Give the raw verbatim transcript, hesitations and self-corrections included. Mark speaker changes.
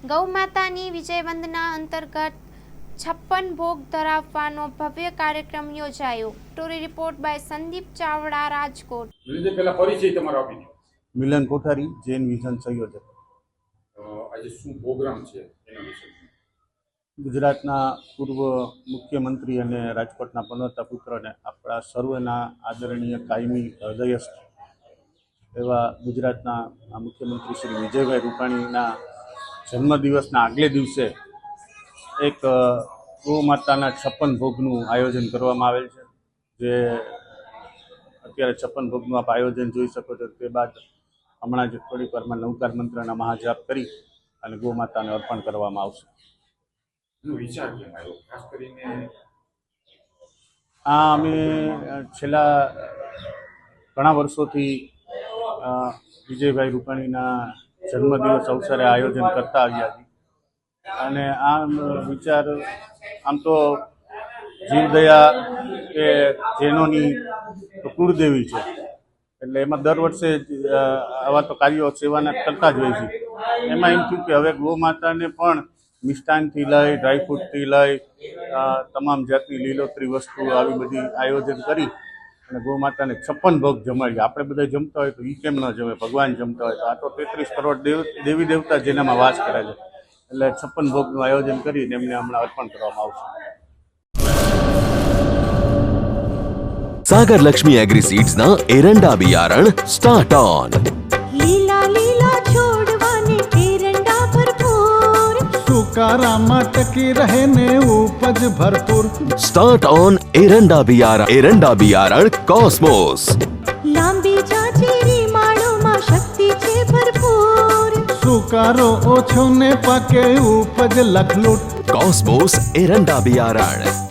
Speaker 1: ગૌમાતાની વિજય વંદના અંતર્ગત છપ્પન ભોગ ધરાવવાનો ભવ્ય કાર્યક્રમ યોજાયો। Story report by Sandeep Chavda, Rajkot.
Speaker 2: પહેલા પરિચય તમારો આપી દો।
Speaker 3: મિલન કોઠારી, જૈન વિઝન સંયોજક।
Speaker 2: આજે શું પ્રોગ્રામ છે એના વિશે?
Speaker 3: ગુજરાતના પૂર્વ મુખ્યમંત્રી અને રાજકોટના પનોતા પુત્રને આપણા સર્વના આદરણીય કાયમી હૃદયસ્થ એવા ગુજરાતના મુખ્યમંત્રી શ્રી વિજયભાઈ રૂપાણીના જન્મદિવસના આગલે દિવસે એક ગૌ માતાના છપ્પન ભોગનું આયોજન કરવામાં આવેલ છે। જે અત્યારે છપ્પન ભોગનું આપ આયોજન જોઈ શકો છો। તે બાદ હમણાં જ થોડીક વારમાં નવકાર મંત્રના મહાજાપ કરી અને ગૌ માતાને અર્પણ કરવામાં આવશે।
Speaker 2: વિચાર કેમ આવ્યો? ખાસ કરીને
Speaker 3: આ અમે છેલ્લા ઘણા વર્ષોથી વિજયભાઈ રૂપાણીના જન્મદિવસ અવસરે આયોજન કરતા આવ્યા છીએ અને આમ વિચાર આમ તો જીવદયા એ જૈનોની કુળદેવી છે, એટલે એમાં દર વર્ષે આવા તો કાર્યો સેવાના કરતા જ હોય છે। એમાં એમ થયું કે હવે ગૌ માતાને પણ મિષ્ટાનથી લઈ ડ્રાયફ્રૂટથી લઈ તમામ જાતની લીલોતરી વસ્તુ આવી બધી આયોજન કરી અને ગૌ માતાને છપ્પન ભોગ જમાડીએ। આપણે બધા જમતા હોય તો એ કેમ ન જમે? ભગવાન જમતા હોય તો આ તો તેત્રીસ કરોડ દેવ દેવી દેવતા જેનામાં વાસ કરે છે, એટલે છપ્પન ભોગનું આયોજન કરીને એમને હમણાં અર્પણ કરવામાં આવશે।
Speaker 4: सागर लक्ष्मी एग्री सीड्स ना एरंडा बियारण स्टार्ट ऑन।
Speaker 5: લીલા લીલા છોડવાને એરંડા ભરપૂર,
Speaker 6: સુકારામાં ટકી રહે ને ઉપજ ભરપૂર।
Speaker 4: स्टार्ट ऑन एरंडा बियारण एरंડા बियारण कॉस्मोस।
Speaker 5: લાંબી જાચેરી માળોમાં શક્તિ છે ભરપૂર,
Speaker 6: સુકારો ઓછો ને પાકે ઉપજ લખલૂટ।
Speaker 4: कॉस्मोस एरंડા बियारण।